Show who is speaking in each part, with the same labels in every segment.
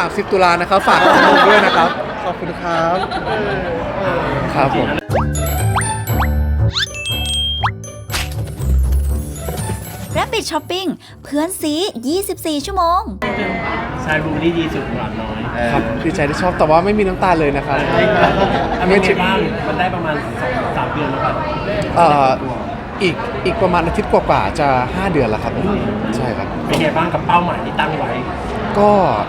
Speaker 1: 30 ตุลานะครับฝากทุกคนด้วยนะครับขอบคุณครับครับผม
Speaker 2: Rapid Shopping เพื่อนซี24 ชั่วโมง
Speaker 3: ชายบูนี่ดีสุดหวานน้อย
Speaker 1: ครับดีใจที่ชอบแต่ว่าไม่มีน้ำตาเลยนะครับ
Speaker 3: ไม่ใช่บ้างมันได้ประมาณ2-3 เดือนแล้วป่ะ
Speaker 1: เอ่ออีกประมาณอาทิตย์กว่าๆจะ5 เดือนแล้วครับใช่ครับ
Speaker 3: เป็นไงบ้างกับเป้าหมายที่ตั้งไว้
Speaker 1: ก็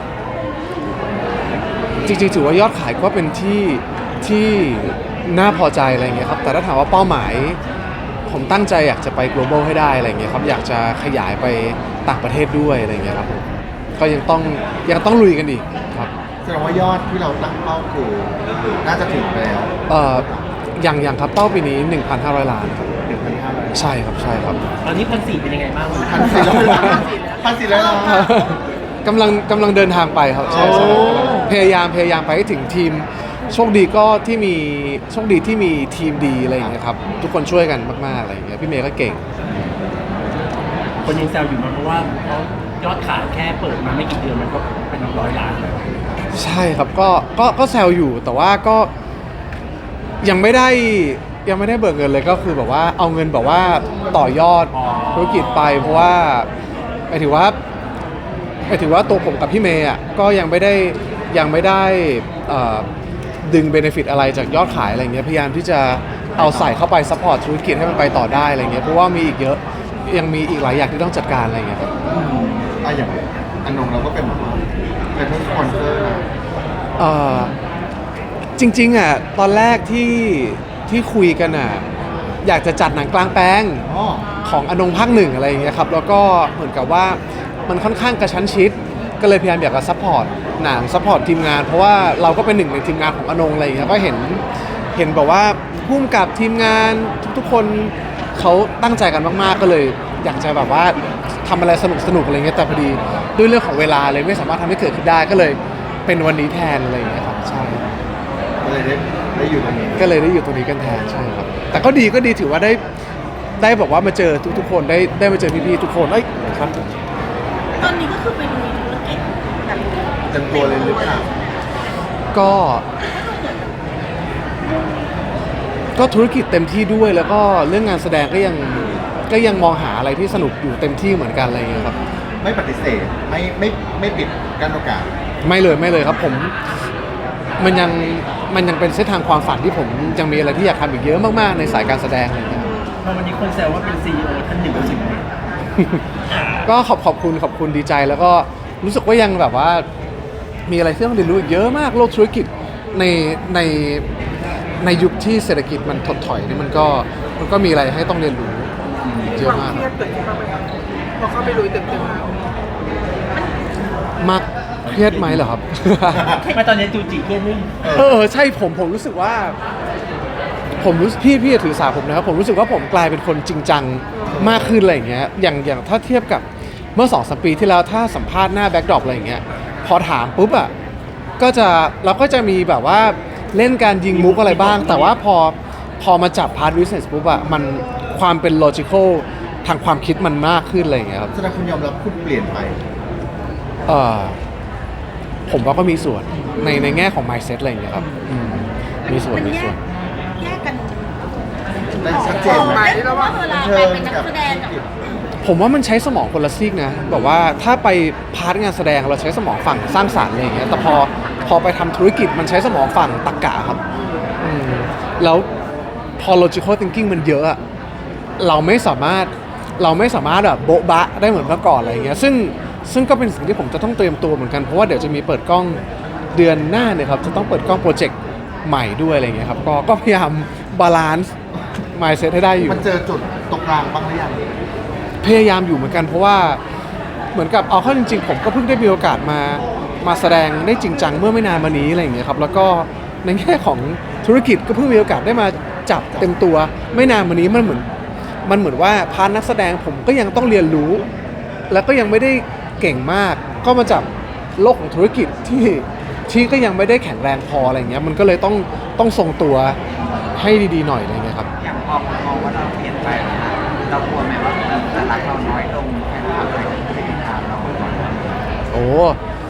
Speaker 1: จริงๆถือว่ายอดขายก็เป็นที่น่าพอใจอะไรเงี้ยครับแต่ถ้าถามว่าเป้าหมายผมตั้งใจอยากจะไป global ให้ได้อะไรเงี้ยครับอยากจะขยายไปต่างประเทศด้วยอะไรเงี้ยครับผมก็ยังต้องลุยกันอีกครับ
Speaker 4: แสดงว่ายอดที่เราตั้งเป้าคือน่าจะถึงไปแล้ว
Speaker 1: อย่างครับเป้าปีนี้ 1,500 ล้านครับ
Speaker 4: 1,500
Speaker 1: ใช่ครับใช่ครับ
Speaker 3: ตอนนี้1,400เป็นยังไงบ้าง
Speaker 4: 1,400 ล้าน1,400 ล้าน
Speaker 1: กำลังเดินทางไปครับใช่
Speaker 4: โอ้
Speaker 1: พยายามไปให้ถึงทีมโชคดีที่มีทีมดีอะไรอย่างเงี้ยครับทุกคนช่วยกันมากๆอะไรอย่างเงี้ยพี่เมย์ก็เก่ง
Speaker 3: คนยังแซวอยู่มาเพราะว่าเขายอดขายแค่เปิดมาไม่กี่เดือนมันก็เป็น100 ล้านแล้ว
Speaker 1: ใช่ครับก็แซวอยู่แต่ว่าก็ยังไม่ได้เบิกเงินเลยก็คือแบบว่าเอาเงินแบบว่าต่อยอดธุรกิจไปเพราะว่าหมายถึงว่าตัวผมกับพี่เมย์อ่ะก็ยังไม่ได้ดึงเบเนฟิตอะไรจากยอดขายอะไรเงี้ยพยายามที่จะเอาใส่เข้าไปซัพพอร์ตธุรกิจให้มันไปต่อได้อะไรเงี้ยเพราะว่ามีอีกเยอะยังมีอีกหลายอย่างที่ต้องจัดการอะไรเงี้ยครับ
Speaker 4: อย่างอนงเราก็เป็นสปอนเซอร์นะ
Speaker 1: จริงๆอ่ะตอนแรกที่คุยกันอ่ะอยากจะจัดหนังกลางแปลง
Speaker 4: อ๋อ
Speaker 1: ของอนงภาค 1อะไรอย่างเงี้ยครับแล้วก็เหมือนกับว่ามันค่อนข้างกระชั้นชิดก็เลยพยายามอยากจะซัพพอร์ตหนังซัพพอร์ตทีมงานเพราะว่าเราก็เป็นหนึ่งในทีมงานของอนงอะไรอย่างเงี้ยก็เห็นแบบว่าพุ่มกับทีมงานทุกๆคนเขาตั้งใจกันมากๆก็เลยอยากจะแบบว่าทำอะไรสนุกอะไรเงี้ยแต่พอดีด้วยเรื่องของเวลาเลยไม่สามารถทำให้เกิดขึ้นได้ก็เลยเป็นวันนี้แทนอะไรอย่างเงี้ยครับใช่
Speaker 4: ก็เลยได้อยู่ตรงนี้
Speaker 1: ก็เลยได้อยู่ตรงนี้กันแทนใช่ครับแต่ก็ดีถือว่าได้บอกว่ามาเจอทุกๆคนได้มาเจอพี่ๆทุกคนเอ้ยครับ
Speaker 5: ตอนนี้ก็คือเป็นธุรกิจแบบ
Speaker 4: เต็มตัวเลยหรือเปล่า
Speaker 1: ก็ธุรกิจเต็มที่ด้วยแล้วก็เรื่องงานแสดงก็ยังมองหาอะไรที่สนุกอยู่เต็มที่เหมือนกันอะไรอย่างเงี้ยครับ
Speaker 4: ไม่ปฏิเสธไม่ปิดกั้นโอกาส
Speaker 1: ไม่เลยครับผมมันยังเป็นเส้นทางความฝันที่ผมยังมีอะไรที่อยากทำอีกเยอะมากๆในสายการแสดงอะไรอย่างเงี้ย
Speaker 3: พอวันนี้คนแซวว่าเป็น CEO ท่านหนึ่งรู้สึกไง
Speaker 1: ก็ขอบคุณดีใจแล้วก็รู้สึกว่ายังแบบว่ามีอะไรที่ต้องเรียนรู้อีกเยอะมากโลกธุรกิจในยุคที่เศรษฐกิจมันถดถอยนี่มันก็มีอะไรให้ต้องเรียนรู้เยอะมาก
Speaker 5: เครียดเกิดขึ้นบ้างไหมครับพอเข้าไปลุยเต็มแล้ว
Speaker 1: มากเครียดไหมเหรอครับ
Speaker 3: ไม่ตอนนี้จูจิเครียดนี่
Speaker 1: ใช่ผมรู้สึกว่าพี่อย่าถือสาผมนะครับผมรู้สึกว่าผมกลายเป็นคนจริงจังมากขึ้นอะไรอย่างเงี้ยอย่างถ้าเทียบกับเมื่อ 2-3 ปีที่แล้วถ้าสัมภาษณ์หน้าแบ็คดรอปอะไรอย่างเงี้ยพอถามปุ๊บอ่ะเราก็จะมีแบบว่าเล่นการยิงมุกอะไรบ้าง แต่ว่าพอมาจับพาร์ทบิสเนสปุ๊บอ่ะมันความเป็นโลจิคอลทางความคิดมันมากขึ้นอะไรอย่างเงี้ยครับ
Speaker 4: แสดงคุณยอมรับคุณเปลี่ยนไป
Speaker 1: ผมว่าก็มีส่วนในแง่ของ mindset อะไรอย่างเงี้ยครับมีส่วน
Speaker 5: แยกกัน
Speaker 4: ได้ชัดเจนไหม
Speaker 5: เพราะว่าเวลาไปเป็นนักแสดงกับ
Speaker 1: ผมว่ามันใช้สมองคนละซีกนะแบบว่าถ้าไปพาร์ทงานแสดงเราใช้สมองฝั่งสร้างสรรค์อะไรอย่างเงี้ยแต่พอไปทำธุรกิจมันใช้สมองฝั่งตรรกะครับแล้วพอ logical thinking มันเยอะอะเราไม่สามารถแบบโบ๊ะบะได้เหมือนเมื่อก่อนอะไรอย่างเงี้ยซึ่งก็เป็นสิ่งที่ผมจะต้องเตรียมตัวเหมือนกันเพราะว่าเดี๋ยวจะมีเปิดกล้องเดือนหน้าเนี่ยครับจะต้องเปิดกล้องโปรเจกต์ใหม่ด้วยอะไรอย่างเงี้ยครับก็พยายามบาลานซ์ mindset ให้ได้อยู่
Speaker 4: มันเจอจุดตรงกลางบ้างหรือยัง
Speaker 1: พยายามอยู่เหมือนกันเพราะว่าเหมือนกับเอาเข้าจริงๆผมก็เพิ่งได้มีโอกาสมาแสดงได้จริงจังเมื่อไม่นานมานี้อะไรอย่างเงี้ยครับแล้วก็ในแง่ของธุรกิจก็เพิ่งมีโอกาสได้มาจับเต็มตัวไม่นานมานี้มันเหมือนว่าพาร์ทนักแสดงผมก็ยังต้องเรียนรู้ แล้วก็ยังไม่ได้เก่งมากก็มาจับโลกของธุรกิจที่ก็ยังไม่ได้แข็งแรงพออะไรเงี้ยมันก็เลยต้องทรงตัวให้ดีๆหน่อยอะไรเงี้ยครับ
Speaker 6: อย่างพอคนมองว่าเราเปลี่ยนไปนะคะเรากลัวไหมว่าคนจะรักเราน้อยลงแค่ไหนอะไรอย่างเงี้ยเรา
Speaker 1: โอ้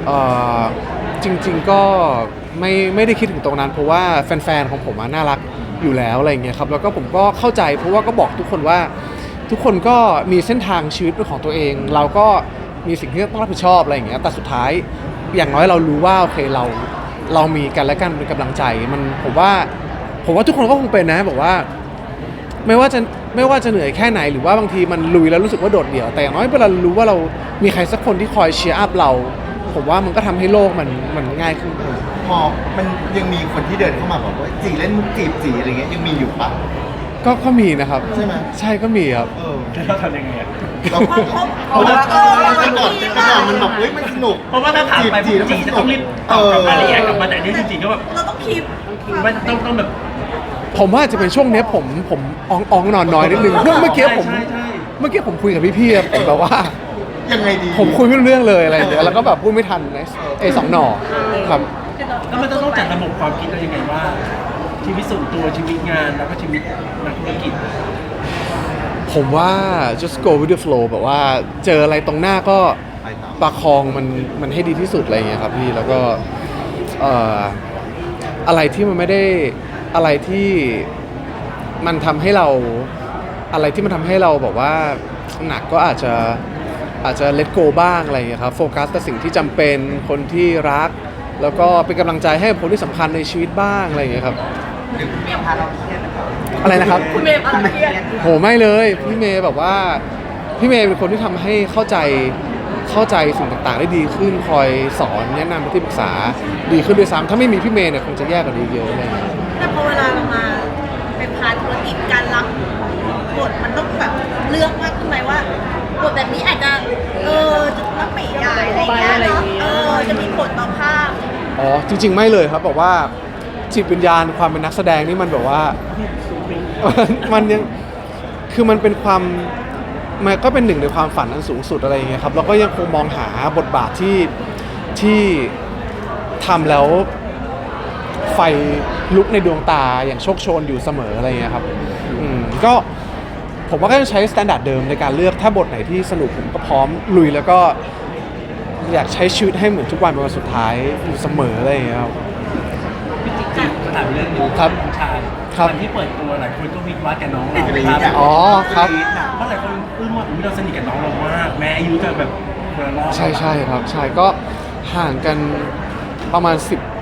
Speaker 1: เอ่อจริงๆก็ไม่ได้คิดถึงตรงนั้นเพราะว่าแฟนๆของผมน่ารักอยู่แล้วอะไรอย่างเงี้ยครับแล้วก็ผมก็เข้าใจเพราะว่าก็บอกทุกคนว่าทุกคนก็มีเส้นทางชีวิตเป็นของตัวเอง เราก็มีสิ่งที่ต้องรับผิดชอบอะไรอย่างเงี้ยแต่สุดท้ายอย่างน้อยเรารู้ว่าโอเคเรามีกันและกันเป็นกำลังใจมันผมว่าทุกคนก็คงเป็นนะบอกว่าไม่ว่าจะเหนื่อยแค่ไหนหรือว่าบางทีมันลุยแล้วรู้สึกว่าโดดเดี่ยวแต่อย่างน้อยเวลารู้ว่าเรามีใครสักคนที่คอยเชียร์อัพเราผมว่ามันก็ทำให้โลกมันง่ายขึ้น
Speaker 4: พอมันยังมีคนที่เดินเข้ามาบอกว่าจีเล่นมุกจีบจีอะไรเงี้ยยังมีอยู่ปะ
Speaker 1: ก็มีนะครับ
Speaker 4: ใช่ไหม
Speaker 1: ใช่ก็มีครับ
Speaker 3: แล้วเราทำยังไงอะ
Speaker 4: เราเพราะว่าแต่ก่อนมันแบบเฮ้ยมันสนุก
Speaker 3: เพราะว่าถ้าถามไปปุ๊บจีจะต้องรีบตอบกลับรายละเอียดกลับมาแต่นี่จริงๆก็แบบ
Speaker 5: เราต้องคีบ
Speaker 3: ไม่ต้องแบบ
Speaker 1: ผมว่าจะเป็นช่วงเนี้ยผมอ่องนอนน้อยนิดนึงเมื่อกี้ผม
Speaker 3: ใช่ใช่
Speaker 1: เมื่อกี้ผมคุยกับพี่ๆผมแบบว่า
Speaker 4: ยังไงดี
Speaker 1: ผมคุยไม่รู้เรื่องเลยอะไรอย่างเงี้ยแล้วก็แบบพูดไม่ทันไอ้สองหน่อครับ
Speaker 3: แล้วมันต้องจัดระบบความคิดเรายังไงว่า ชีวิตส่วนตัวชีวิตงานแล้วก็ชีวิตนักธุรกิจ
Speaker 1: ผมว่า just go with the flow แบบว่าเจออะไรตรงหน้าก็ประคองมันให้ดีที่สุดอะไรอย่างเงี้ยครับพี่แล้วก็อะไรที่มันไม่ได้อะไรที่มันทำให้เราแบบว่าหนักก็อาจจะ let go บ้างอะไรอย่างเงี้ยครับโฟกัสแต่สิ่งที่จำเป็นคนที่รักแล้วก็เป็นกำลังใจให้คนที่สำคัญในชีวิตบ้างอะไรอย่างเงี้ยครับ
Speaker 6: พาเราเครียดนะครับ
Speaker 1: อะไรนะครับ
Speaker 5: คุณเมย์พาราเครียด
Speaker 1: โหไม่เลยพี่เมย์แบบว่าพี่เมย์เป็นคนที่ทำให้เข้าใจสิ่งต่างๆได้ดีขึ้นคอยสอนแนะนำที่ปรึกษาดีขึ้นด้วยซ้ำถ้าไม่มีพี่เมย์เนี่ยคงจะแย่กว่านี้เยอะเลย
Speaker 5: แต่พอเวลาเรามาเป็นพาร์ทธุรกิจการรับบทมันต้องแบบเลือกมากขึ้นไหมว่าบทแบบนี้อาจจะจะต้องไม่ใหญ่อะไรอย่างเงี้ยเนาะจะมีผลต่อภาพ
Speaker 1: อ๋อจริง ๆ ไม่เลยครับบอกว่าจิตวิญญาณความเป็นนักแสดงนี่มันแบบว่า มันยังคือมันเป็นความมันก็เป็นหนึ่งในความฝันอันสูงสุดอะไรอย่างเงี้ยครับเราก็ยังคงมองหาบทบาทที่ทำแล้วไฟลุกในดวงตาอย่างโชคโชนอยู่เสมออะไรอย่างเงี้ยครับก็ผมว่าก็จะใช้สแตนดาร์ดเดิมในการเลือกถ้าบทไหนที่สนุกผมก็พร้อมลุยแล้วก็อยากใช้ชีวิตให้เหมือนทุกวันเป็นวันสุดท้ายอยู่เสมออะไรอย่างเงี้ยครับ
Speaker 3: พี่จิ๊กถามเรื่องหนึง
Speaker 1: ครับ
Speaker 3: น้องชาย
Speaker 1: ครับ
Speaker 3: วันที่เปิดตัวหลายคนก็วิจารณ์กับน้องเรา
Speaker 4: กรี๊ด
Speaker 3: ค
Speaker 4: อะ
Speaker 3: รับ
Speaker 1: อ๋อครับ
Speaker 3: เพราะหลายคนอึ้งว่าอุ๊ยเราสนิทกับน้องเรามากแม้อายุจะแบบคนละรอบ
Speaker 1: ใช่ครับใช่ก็ห่างกันประมาณ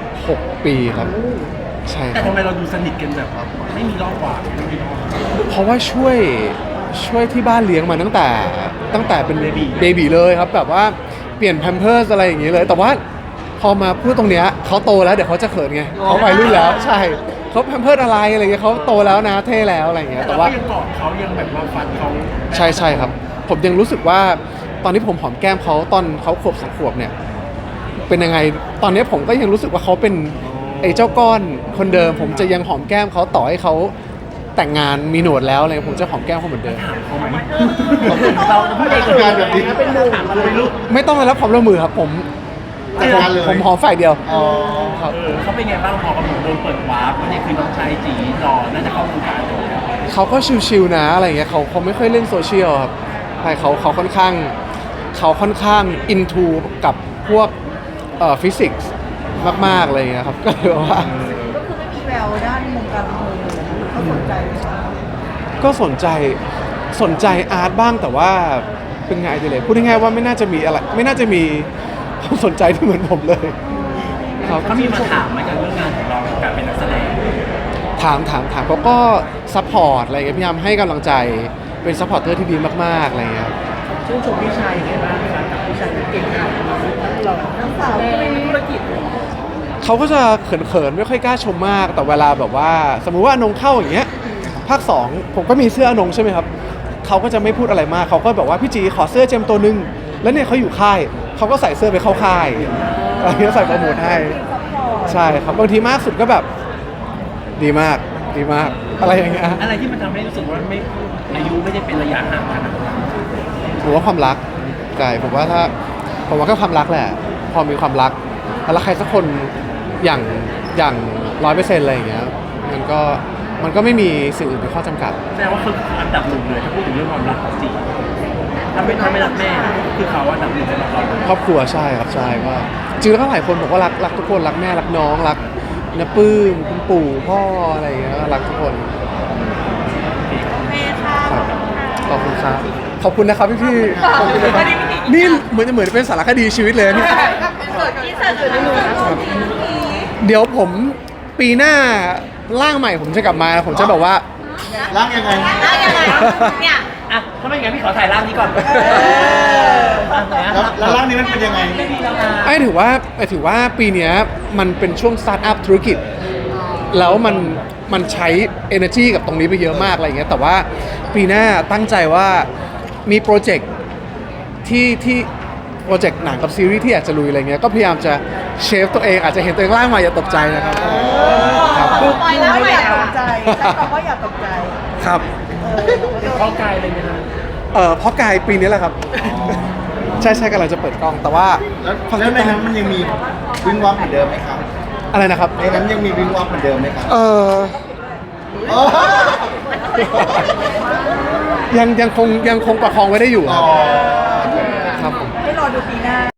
Speaker 1: 16 ปีครับใช่ค
Speaker 3: แต่
Speaker 1: รับ
Speaker 3: ทำไมเราดูสนิทกันแบบไม่มีรอบกว่าไม่มีรอบ
Speaker 1: เพราะว่าช่วยที่บ้านเลี้ยงมาตั้งแต่เป็นเบบีเลยครับแบบว่าเปลี่ยนแพมเพิร์สอะไรอย่างเงี้ยเลยแต่ว่าพอมาพูดตรงเนี้ยเขาโตแล้วเดี๋ยวเขาจะเขินไงเขาวัยรุ่นแล้วใช่เขาแพมเพิร์สอะไรเงี้ยเขาโตแล้วนะเท่แล้วอะไรอย่างเงี้ย
Speaker 3: แต่
Speaker 1: แต่
Speaker 3: ว่า
Speaker 1: ว่า
Speaker 3: ยังกอดเขายังแบบว่าฝันเขา
Speaker 1: ใช่ครับผมยังรู้สึกว่าตอนที่ผมหอมแก้มเขาตอนเขาขวบ2 ขวบเนี่ยเป็นยังไงตอนนี้ผมก็ยังรู้สึกว่าเขาเป็นไอ้เจ้าก้อนคนเดิมผมจะยังหอมแก้มเขาต่อให้เขาแต่งงานมีหนวดแล้วอะไรผมจะหอมแก้มเขาเหมือนเดิม
Speaker 3: ถามเขาไหมเราพูดเอง
Speaker 4: งานแบบนี้
Speaker 3: เป็นมุมถามเขาเลยลูก
Speaker 1: ไม่ต้องได้รับความร่วมมือครับผม
Speaker 4: จัดการเลย
Speaker 1: ผมหอมฝ่ายเดียว
Speaker 4: อ๋อ
Speaker 1: ครับ
Speaker 3: เขาเป็นไงบ้างพอกำลังโดนเปิดวาร์ปว่านี่คือน้องชายจีหล่อน่าจะเข้าวงการเลย
Speaker 1: เขาก็ชิวๆนะอะไรเงี้ยเขาไม่ค่อยเล่นโซเชียลครับใช่เขาค่อนข้างอินทูกับพวกฟิสิกส์มากๆอะไรเงี้ยครับก็เลยว่า
Speaker 5: ก็คือไม่มีแววด้านวงการบันเทิงเลยเขาสนใจไหมคะ
Speaker 1: ก็สนใจอาร์ตบ้างแต่ว่าเป็นไงดีเลยพูดง่ายๆว่าไม่น่าจะมีอะไรไม่น่าจะมีความสนใจที่เหมือนผมเลยครับ
Speaker 3: เขามีมาถามไหมกับเรื่องงานของเรากับการเป็นนักแสดง
Speaker 1: ถามเขาก็ซัพพอร์ตอะไรเงี้ยพยายามให้กำลังใจเป็นซัพพอร์ตเตอร์ที่ดีมากๆอะไรเงี้ย
Speaker 5: ชื่นชมพี่ชายยังไงบ้างคะกับพี่ชายที่เก่งขนาดนี้เราทั้งสาวที่ไม่มีธุรกิจ
Speaker 1: เขาก็จะเขินๆไม่ค่อยกล้าชมมากแต่เวลาแบบว่าสมมุติว่าอนงเข้าอย่างเงี้ยภาค 2ผมก็มีเสื้ออนงใช่ไหมครับเขาก็จะไม่พูดอะไรมากเขาก็แบบว่าพี่จีขอเสื้อเจมตัวนึงแล้วเนี่ยเขาอยู่ค่ายเขาก็ใส่เสื้อไปเข้าค่ายอะไรเงี้ยใส่โปรโมทให้ใช่ครับบางทีมากสุดก็แบบดีมากอะไรอย่างเงี้ย
Speaker 3: อะไรที่มันทำให้รู้สึกว่าไม่อายุไม่ได้เป็นระยะห่างขนาดนั้น
Speaker 1: ผมว่าความรักใช่ผมว่าก็ความรักแหละพอมีความรักแล้วใครสักคนอย่าง100%อะไรอย่างเงี้ยมันก็ไม่มีสิ่งอื่นเป็นข้อจำกัด
Speaker 3: แสดงว่าคืออันดับหนึ่งเลยถ้าพูดถึงเรื่องความรักของจีถ้าไม่รักแม่คือเขาว่าดับหนึ่งสำหรับเรา
Speaker 1: ครอบครัวใช่ครับใช่ว่าจริงแล้วก็หลายคนบอกว่ารักทุกคนรักแม่รักน้องรักน้าปื้มคุณปู่พ่ออะไรอย่างเงี้ยรักทุกคน
Speaker 5: โอเคค่ะ
Speaker 1: ครับขอบคุณครับขอบคุณนะครับพี่ๆขอบคุณนะครับนี่เหมือนเป็นสารคดีชีวิตเลยเนี่ย
Speaker 5: ที่เสิร์ฟอยู่ในมือ
Speaker 1: เดี๋ยวผมปีหน้าร่างใหม่ผมจะกลับมาผมจะแบบว่า
Speaker 4: ร่างยังไง
Speaker 5: ได้ยังไงเนี่ย
Speaker 3: อ่ะถ้าไม่งั้นพี่ขอถ่ายร่างนี้ก่อน
Speaker 4: แล้วร่างนี้มันเป็นยังไง
Speaker 1: ไอ้ถือว่าปีเนี้ยมันเป็นช่วงสตาร์ทอัพธุรกิจ แล้วมันใช้ energy กับตรงนี้ไปเยอะมากอะไรอย่างเงี้ยแต่ว่าปีหน้าตั้งใจว่ามีโปรเจกต์ที่โปรเจกต์หนังกับซีรีส์ที่อยากจะลุยอะไรเงี้ยก็พยายามจะเชฟตัวเองอาจจะเห็นตัวเองร่างมาอย่าตกใจนะครับครับ
Speaker 5: ปล่อยแล้วอย่าตกใจ
Speaker 1: ครับ
Speaker 3: เข้ากายเลยไหมครับ
Speaker 1: เพราะกายปีนี้แหละครับ ใช่กำลังจะเปิดกล้องแต่ว่า
Speaker 4: แล้วในนั้นมันยังมีวิงวับเหมือนเดิมไหมครับ
Speaker 1: อะไรนะครับ
Speaker 4: ในนั้นยังมีวิงวับเหมือนเดิมไหมครับ
Speaker 1: เออยังคงประคองไว้ได้อยู่ครับ
Speaker 4: อ๋อ
Speaker 1: ครับผม